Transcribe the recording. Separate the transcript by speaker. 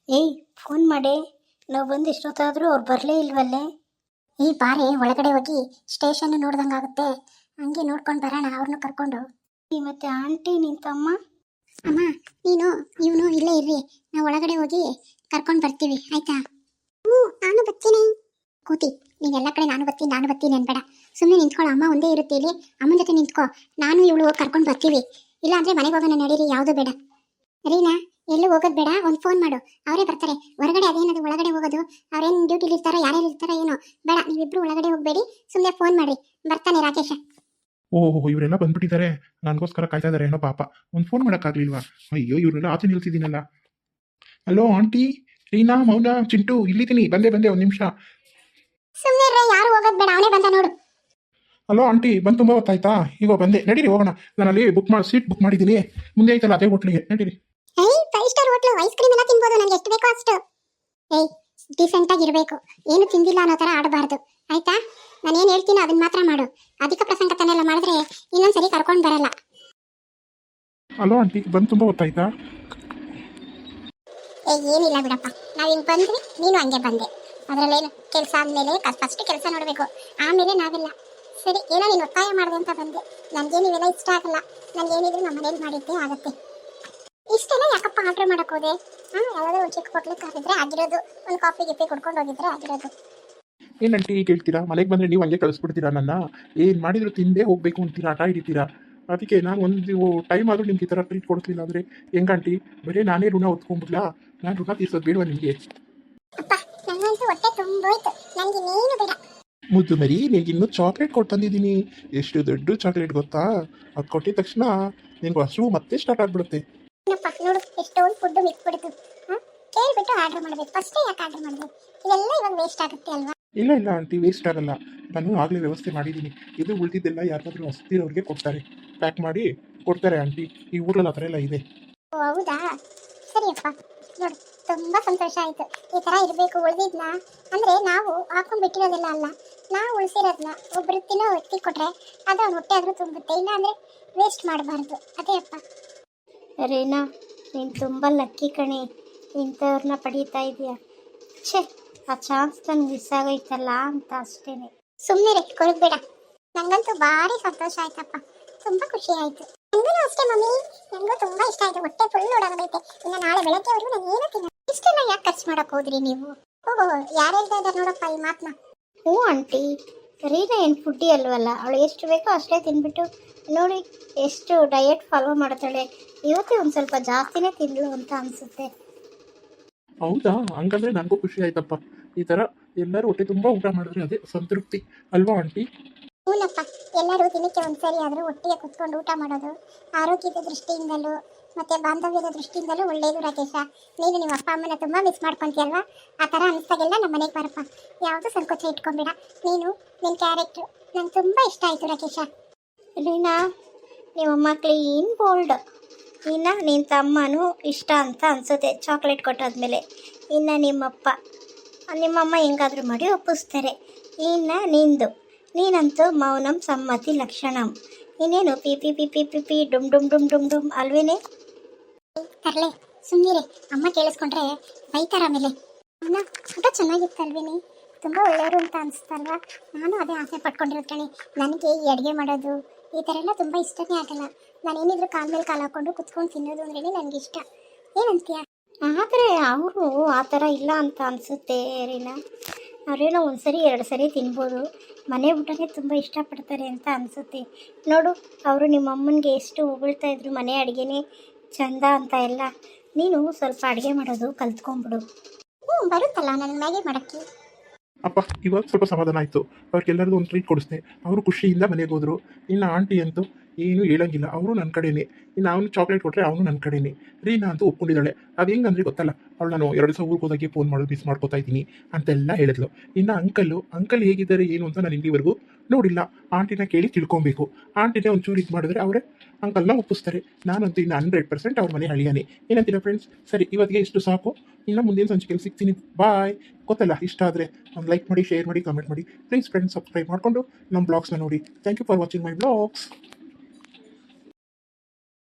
Speaker 1: ಏಯ್ ಫೋನ್ ಮಾಡಿ. ನಾವು ಬಂದು ಎಷ್ಟೊತ್ತಾದರೂ ಅವ್ರು ಬರಲೇ ಇಲ್ವಲ್ಲೇ. ಈ ಬಾರಿ ಒಳಗಡೆ ಹೋಗಿ ಸ್ಟೇಷನ್ ನೋಡ್ದಂಗಾಗುತ್ತೆ. ಹಂಗೆ ನೋಡ್ಕೊಂಡು ಬರೋಣ ಅವ್ರನ್ನ ಕರ್ಕೊಂಡು. ಮತ್ತೆ ಆಂಟಿ ನಿನ್ ತಮ್ಮ ಅಮ್ಮ ನೀನು ಇವನು ಇಲ್ಲೇ ಇರ್ರಿ, ನಾವು ಒಳಗಡೆ ಹೋಗಿ ಕರ್ಕೊಂಡು ಬರ್ತೀವಿ ಆಯ್ತಾ. ನಾನು ಬರ್ತೀನಿ. ಕೂತಿ ನೀನೆಲ್ಲ ಕಡೆ ನಾನು ಬರ್ತೀನಿ ಅನ್ಬೇಡ. ಸುಮ್ಮನೆ ನಿಂತ್ಕೊಳ್ಳೋ, ಅಮ್ಮ ಒಂದೇ ಇರುತ್ತೆ ಇಲ್ಲಿ, ಅಮ್ಮನ ಜೊತೆ ನಿಂತ್ಕೋ. ನಾನು ಇವಳು ಹೋಗಿ ಕರ್ಕೊಂಡು ಬರ್ತೀವಿ. ಇಲ್ಲ ಅಂದ್ರೆ ಮನೆಗೆ ಹೋಗೋಣ ನಡೀರಿ, ಯಾವುದು ಬೇಡ. ರೀನಾ ಎಲ್ಲೂ ಹೋಗೋದು ಬೇಡ, ಒಂದು ಫೋನ್ ಮಾಡು, ಅವರೇ ಬರ್ತಾರೆ. ಹೊರಗಡೆ ಅದೇನದು ಒಳಗಡೆ ಹೋಗೋದು, ಅವ್ರೇನು ಡ್ಯೂಟಿಲಿ ಇರ್ತಾರೋ ಯಾರ್ಯಾರು ಇರ್ತಾರೋ ಏನೋ ಬೇಡ. ನೀವಿಬ್ರು ಒಳಗಡೆ ಹೋಗಬೇಡಿ, ಸುಮ್ಮನೆ ಫೋನ್ ಮಾಡಿ, ಬರ್ತಾನೆ ರಾಕೇಶ.
Speaker 2: ಓಹೋ ಇವರೆಲ್ಲ ಬಂದ್ಬಿಟ್ಟಿದ್ದಾರೆ, ನನಗೋಸ್ಕರ ಕಾಯ್ತಾ ಇದ್ದಾರೆ ಏನೋ ಪಾಪ. ಒಂದು ಫೋನ್ ಮಾಡೋಕ್ಕಾಗಲಿಲ್ವಾ? ಅಯ್ಯೋ ಇವ್ರನ್ನೆಲ್ಲ ಆಚೆ ನಿಲ್ಸಿದ್ದೀನಲ್ಲ. ಹಲೋ ಆಂಟಿ, ರೀನಾ, ಮೌನ, ಚಿಂಟು, ಇಲ್ಲಿದ್ದೀನಿ, ಬಂದೆ ಒಂದು ನಿಮಿಷ.
Speaker 1: ಸುಮ್ಮನೆ ಯಾರು ಹೋಗೋದು ಬೇಡ, ಅವನೇ ಬಂದ ನೋಡು.
Speaker 2: ಹಲೋ ಆಂಟಿ, ಬಂದು ತುಂಬ ಹೊತ್ತಾಯ್ತಾ? ಈಗ ಬಂದೆ, ನಡೀರಿ ಹೋಗೋಣ. ನಾನು ಅಲ್ಲಿ ಸೀಟ್ ಬುಕ್ ಮಾಡಿದ್ದೀನಿ, ಮುಂದೆ ಐತಲ್ಲ ಅದೇ ಹೋಟ್ಲಿಗೆ, ನಡೀರಿ.
Speaker 1: ಏಯ್ 5 ಸ್ಟಾರ್ ಹೋಟ್ಲು, ಐಸ್ ಕ್ರೀಮ್ ಎಲ್ಲ ತಿನ್ಬೋದು, ನನಗೆ ಎಷ್ಟು ಬೇಕೋ ಅಷ್ಟು. ಏಯ್ ಡಿಸೆಂಟ್ ಆಗಿರಬೇಕು, ಏನು ತಿಂದಿಲ್ಲ ಅನ್ನೋ ಥರ ಆಡಬಾರ್ದು ಆಯ್ತಾ. ನಾನು ಏನು ಹೇಳ್ತೀನೋ ಅದನ್ನ ಮಾತ್ರ ಮಾಡು. ಅಧಿಕ ಪ್ರಸಂಗತನೆಲ್ಲ ಮಾಡಿದ್ರೆ ಇನ್ನೊಂದ್ಸರಿ ಕರ್ಕೊಂಡು ಬರಲ್ಲ.
Speaker 2: ಹಲೋ ಆಂಟಿ, ಬಂದು ತುಂಬ ಹೊತ್ತಾಯ್ತಾ?
Speaker 1: ಏನಿಲ್ಲ ಬಿಡಪ್ಪ, ನಾವು ಹಿಂಗೆ ಬಂದ್ವಿ, ನೀನು ಹಂಗೆ ಬಂದೆ. ಅದರಲ್ಲೇನು ಕೆಲಸ ಆದಮೇಲೆ ಫಸ್ಟ್ ಕೆಲಸ ನೋಡಬೇಕು, ಆಮೇಲೆ ನಾವೆಲ್ಲ. ಸರಿ, ಏನೋ ನೀನು ಒತ್ತಾಯ ಮಾಡಿದೆ ಅಂತ ಬಂದೆ. ನನಗೆ ನೀವೆಲ್ಲ ಇಷ್ಟ ಆಗಲ್ಲ, ನನಗೇನಿದ್ರು ನಮ್ಮ ಮನೇಲಿ ಮಾಡಿದ್ದೆ ಆಗುತ್ತೆ. ಇಷ್ಟೆಲ್ಲ ಯಾಕಪ್ಪ ಆರ್ಡ್ರ್ ಮಾಡಕ್ಕೆ ಹೋದೆ? ಯಾವುದೋ ಒಂದು ಚಿಕ್ಕ ಹೋಟ್ಲಿಗೆ ಕರೆದಿದ್ರೆ ಆಗಿರೋದು, ಒಂದು ಕಾಫಿ ಗಿಫಿ ಕುಡ್ಕೊಂಡು ಹೋಗಿದ್ರೆ ಆಗಿರೋದು.
Speaker 2: ಏನಂಟಿ ಈಗ ಹೇಳ್ತೀರಾ? ಮನೆಗೆ ಬಂದರೆ ನೀವು ಹಂಗೆ ಕಳಿಸ್ಬಿಡ್ತೀರಾ ನನ್ನ? ಏನು ಮಾಡಿದ್ರು ತಿಂದೇ ಹೋಗಬೇಕು ಅಂತೀರಾ, ಆಟ ಹಿಡಿತೀರಾ? ಅದಕ್ಕೆ ನಾನು ಒಂದು ಟೈಮ್ ಆದರೂ ನಿಮ್ಗೆ ಈ ಥರ ಟ್ರೀಟ್ ಕೊಡ್ತಿಲ್ಲ ಅಂದರೆ ಹೆಂಗಂಟಿ? ಬರೀ ನಾನೇ ಋಣ ಹೊತ್ಕೊಂಡ್ಬಿಡ್ಲಾ? ನಾನು ಋಣ ತೀರ್ಸೋದು ಬೇಡವಾ ನಿಮಗೆ?
Speaker 1: ಅಪ್ಪ ನನಗಂತೂ ಹೊಟ್ಟೆ ತುಂಬೋಯ್ತು, ನನಗೆ ಇನ್ನೇನು ಬೇಡ.
Speaker 2: ಮುದ್ದು ಮರಿ, ನಿನಗೆ ಇನ್ನೂ ಚಾಕ್ಲೇಟ್ ಕೊಟ್ಟು ತಂದಿದ್ದೀನಿ. ಎಷ್ಟು ದೊಡ್ಡ ಚಾಕ್ಲೇಟ್ ಗೊತ್ತಾ? ಅದು ಕೊಟ್ಟಿದ ತಕ್ಷಣ ನಿನಗೆ ಹಸಿವು ಮತ್ತೆ ಸ್ಟಾರ್ಟ್ ಆಗಿಬಿಡುತ್ತೆ.
Speaker 1: ಏನಪ್ಪ ನೋಡು, ಎಷ್ಟೊಂದು ಫುಡ್ಡು ಮಿಕ್ಬಿಡ್ತು. ಕೇಳಿಬಿಟ್ಟು ಆರ್ಡ್ರ್ ಮಾಡಬೇಕು, ಫಸ್ಟೇ ಯಾಕೆ ಆರ್ಡ್ರ್ ಮಾಡಬೇಕು? ಇದೆಲ್ಲ ಇವಾಗ ವೇಸ್ಟ್ ಆಗುತ್ತೆ ಅಲ್ವಾ?
Speaker 2: ಇಲ್ಲ ಆಂಟಿ, ವೇಸ್ಟ್ ಆಗಲ್ಲ. ನಾನು ಆಗಲೇ ವ್ಯವಸ್ಥೆ ಮಾಡಿದ್ದೀನಿ. ಇದು ಉಳಿದಿದ್ದೆಲ್ಲ ಯಾರಾದರೂ ಹಸ್ತಿರೋರಿಗೆ ಕೊಡ್ತಾರೆ, ಪ್ಯಾಕ್ ಮಾಡಿ ಕೊಡ್ತಾರೆ ಆಂಟಿ. ಈ ಊರಲ್ಲಿ ಆ ಥರ ಎಲ್ಲ ಇದೆ.
Speaker 1: ಓ ಹೌದಾ, ಸರಿಯಪ್ಪ. ನೋಡು, ತುಂಬ ಸಂತೋಷ ಆಯಿತು. ಈ ಥರ ಇರಬೇಕು ಉಳಿದಿದ್ನ. ಅಂದರೆ ನಾವು ಹಾಕೊಂಡ್ಬಿಟ್ಟಿರೋದಿಲ್ಲ ಅಲ್ಲ, ನಾವು ಉಳಿಸಿರೋದನ್ನ ಒಬ್ಬರು ತಿನ್ನೋ ವ್ಯಕ್ತಿ ಕೊಟ್ಟರೆ ಅದು ಅವ್ನ ಹೊಟ್ಟೆ ಆದರೂ ತುಂಬುತ್ತೆ. ಇಲ್ಲ ಅಂದರೆ ವೇಸ್ಟ್ ಮಾಡಬಾರ್ದು. ಅದೇ ಅಪ್ಪ. ರೀನಾ, ನೀನು ತುಂಬ ಲಕ್ಕಿ ಕಣೆ, ಇಂಥವ್ರನ್ನ ಪಡೀತಾ ಇದೆಯಾ. ಛೇ, ಆ ಚಾನ್ಸ್ ನನಗೆ ಮಿಸ್ ಆಗೋಯ್ತಲ್ಲ ಅಂತ ಅಷ್ಟೇ. ಸುಮ್ಮನೆ ಕೊರಗಬೇಡ. ನನಗಂತೂ ಭಾರಿ ಸಂತೋಷ ಆಯ್ತಪ್ಪ, ತುಂಬ ಖುಷಿ ಆಯಿತು. ನನಗೂ ಅಷ್ಟೇ ಮಮ್ಮಿ, ನನಗೂ ತುಂಬ ಇಷ್ಟ ಆಯಿತು. ಹೊಟ್ಟೆ ಫುಲ್ ಓಡಾಗೈತೆ. ಇನ್ನು ನಾಳೆ ಬೆಳಗ್ಗೆವರೆಗೂ ನಾನು ಏನೂ ತಿನ್ನ. ಇಷ್ಟೆಲ್ಲ ಯಾಕೆ ಖರ್ಚು ಮಾಡೋಕೆ ಹೋದ್ರಿ ನೀವು? ಓಹೋ, ಯಾರು ಹೇಳ್ತಾ ಇದ್ದಾರೆ ನೋಡಪ್ಪ ಈ ಮಾತನ್ನ. ಹ್ಞೂ ಆಂಟಿ, ರೀನಾ ಏನು ಫುಡ್ಡಿ ಅಲ್ವಲ್ಲ, ಅವಳು ಎಷ್ಟು ಬೇಕೋ ಅಷ್ಟೇ ತಿಂದ್ಬಿಟ್ಟು ನೋಡಿ ಎಷ್ಟು ಡಯಟ್ ಫಾಲೋ ಮಾಡ್ತಾಳೆ. ಇವತ್ತೇ ಒಂದು ಸ್ವಲ್ಪ ಜಾಸ್ತಿನೇ ತಿಂದಳು ಅಂತ ಅನಿಸುತ್ತೆ.
Speaker 2: ಹೌದಾ? ಹಂಗಂದ್ರೆ ನನಗೂ ಖುಷಿ ಆಯ್ತಪ್ಪ. ಈ ಥರ ಎಲ್ಲರೂ ಹೊಟ್ಟೆ ತುಂಬ ಊಟ ಮಾಡಿದ್ರೆ ಅದೇ ಸಂತೃಪ್ತಿ ಅಲ್ವಾ ಆಂಟಿ?
Speaker 1: ಹೂನಪ್ಪ, ಎಲ್ಲರೂ ದಿನಕ್ಕೆ ಒಂದ್ಸರಿ ಆದರೂ ಒಟ್ಟಿಗೆ ಕುತ್ಕೊಂಡು ಊಟ ಮಾಡೋದು ಆರೋಗ್ಯದ ದೃಷ್ಟಿಯಿಂದಲೂ ಮತ್ತು ಬಾಂಧವ್ಯದ ದೃಷ್ಟಿಯಿಂದಲೂ ಒಳ್ಳೆಯದು. ರಾಕೇಶ, ನೀನು ನಿಮ್ಮ ಅಪ್ಪ ಅಮ್ಮನ ತುಂಬ ಮಿಸ್ ಮಾಡ್ಕೊತೀಯಲ್ವಾ? ಆ ಥರ ಅನಿಸ್ದಾಗೆಲ್ಲ ನಮ್ಮ ಮನೆಗೆ ಬರಪ್ಪ, ಯಾವುದೂ ಸಂಕೋಚ ಇಟ್ಕೊಂಬೇಡ. ನೀನು ನಿನ್ನ ಕ್ಯಾರೆಕ್ಟ್ರು ನಂಗೆ ತುಂಬ ಇಷ್ಟ ಆಯಿತು ರಾಕೇಶ. ರೀನಾ, ನಿಮ್ಮಮ್ಮ ಕ್ಲೀನ್ ಬೋಲ್ಡ್. ಇನ್ನು ನಿನ್ನ ತಮ್ಮನೂ ಇಷ್ಟ ಅಂತ ಅನಿಸುತ್ತೆ ಚಾಕ್ಲೇಟ್ ಕೊಟ್ಟಾದ್ಮೇಲೆ. ಇನ್ನು ನಿಮ್ಮಮ್ಮ ಹೆಂಗಾದರೂ ಮಾಡಿ ಒಪ್ಪಿಸ್ತಾರೆ. ಇನ್ನು ನಿಂದು, ನೀನಂತೂ ಮೌನಂ ಸಮ್ಮತಿ ಲಕ್ಷಣಂ. ಇನ್ನೇನು ಪಿ ಪಿ ಪಿ ಪಿ ಪಿ ಪಿ ಡುಮ್ ಡುಮ್ ಡುಮ್ ಡುಮ್ ಡುಮ್ ಅಲ್ವೇನೆ? ತರಲೆ ಸುಮ್ಮನೆ, ಅಮ್ಮ ಕೇಳಿಸ್ಕೊಂಡ್ರೆ ಬೈತಾರ ಆಮೇಲೆ. ಅಮ್ಮ ಊಟ ಚೆನ್ನಾಗಿತ್ತಲ್ವೇನೆ? ತುಂಬ ಒಳ್ಳೆಯವರು ಅಂತ ಅನಿಸ್ತಲ್ವಾ? ನಾನು ಅದೇ ಆಸೆ ಪಟ್ಕೊಂಡಿರೋದು ಕಣೆ. ನನಗೆ ಈ ಅಡುಗೆ ಮಾಡೋದು ಈ ಥರ ಎಲ್ಲ ತುಂಬ ಇಷ್ಟನೇ ಆಗಲ್ಲ. ನಾನೇನಿದ್ರು ಕಾಲ ಮೇಲೆ ಕಾಲು ಹಾಕ್ಕೊಂಡು ಕುತ್ಕೊಂಡು ತಿನ್ನೋದು ಅಂದ್ರೇ ನನಗೆ ಇಷ್ಟ. ಏನಂತೀಯ? ಆದರೆ ಅವರು ಆ ಥರ ಇಲ್ಲ ಅಂತ ಅನಿಸುತ್ತೆ ರೀನಾ. ಅವರೇನೋ ಒಂದು ಸರಿ 2 ಸರಿ ತಿನ್ಬೋದು, ಮನೆ ಊಟನೇ ತುಂಬ ಇಷ್ಟಪಡ್ತಾರೆ ಅಂತ ಅನಿಸುತ್ತೆ. ನೋಡು, ಅವರು ನಿಮ್ಮ ಅಮ್ಮನಿಗೆ ಎಷ್ಟು ಹೊಗಳ್ತಾ ಇದ್ರು, ಮನೆ ಅಡುಗೆನೇ ಚಂದ ಅಂತ ಎಲ್ಲ. ನೀನು ಸ್ವಲ್ಪ ಅಡುಗೆ ಮಾಡೋದು ಕಲ್ತ್ಕೊಂಡ್ಬಿಡು. ಬರುತ್ತಲ್ಲ ನನ್ನ ಮ್ಯಾಗಿ ಮಾಡೋಕ್ಕೆ.
Speaker 2: ಅಪ್ಪ ಇವಾಗ ಸ್ವಲ್ಪ ಸಮಾಧಾನ ಆಯಿತು. ಅವ್ರಿಗೆಲ್ಲರಿಗೂ ಒಂದು ಟ್ರೀಟ್ ಕೊಡಿಸ್ದೆ, ಅವರು ಖುಷಿಯಿಂದ ಮನೆಗೆ ಹೋದರು. ಇನ್ನು ಆಂಟಿ ಅಂತೂ ಏನು ಹೇಳಂಗಿಲ್ಲ, ಅವರು ನನ್ನ ಕಡೆನೇ. ಇನ್ನು ಅವನು ಚಾಕ್ಲೇಟ್ ಕೊಟ್ಟರೆ ಅವನು ನನ್ನ ಕಡೆನೇ. ರೀನಾ ಅಂತೂ ಒಪ್ಕೊಂಡಿದ್ದಾಳೆ. ಅದು ಹೆಂಗಂದ್ರೆ ಗೊತ್ತಲ್ಲ, ಅವಳು ನಾನು 2 ದಿವಸ ಊರಿಗೆ ಹೋದಾಗೆ ಫೋನ್ ಮಾಡೋದು ಮಿಸ್ ಮಾಡ್ಕೋತಾ ಇದ್ದೀನಿ ಅಂತೆಲ್ಲ ಹೇಳಿದ್ಲು. ಇನ್ನು ಅಂಕಲ್ ಹೇಗಿದ್ದಾರೆ ಏನು ಅಂತ ನಾನು ಇಲ್ಲಿವರೆಗೂ ನೋಡಿಲ್ಲ. ಆಂಟಿನ ಕೇಳಿ ತಿಳ್ಕೊಬೇಕು. ಆಂಟಿನೇ ಒಂಚೂರು ಇದು ಮಾಡಿದ್ರೆ ಅವರೇ ಅಂಕಲ್ನ ಒಪ್ಪಿಸ್ತಾರೆ. ನಾನಂತೂ ಇನ್ನು 100% ಅವ್ರ ಮನೆ ಹಳಿಯಾನೆ. ಏನಂತೀರಾ ಫ್ರೆಂಡ್ಸ್? ಸರಿ, ಇವತ್ತಿಗೆ ಇಷ್ಟು ಸಾಕು. ಇನ್ನು ಮುಂದಿನ ಸಂಚಿಕೆಯಲ್ಲಿ ಸಿಗ್ತೀನಿ. ಬಾಯ್. ಗೊತ್ತಲ್ಲ, ಇಷ್ಟ ಆದರೆ ಒಂದು ಲೈಕ್ ಮಾಡಿ, ಶೇರ್ ಮಾಡಿ, ಕಮೆಂಟ್ ಮಾಡಿ. ಪ್ಲೀಸ್ ಫ್ರೆಂಡ್ಸ್, ಸಬ್ಸ್ಕ್ರೈಬ್ ಮಾಡಿಕೊಂಡು ನಮ್ಮ ಬ್ಲಾಗ್ಸ್ನ ನೋಡಿ. Thank you for watching my blogs.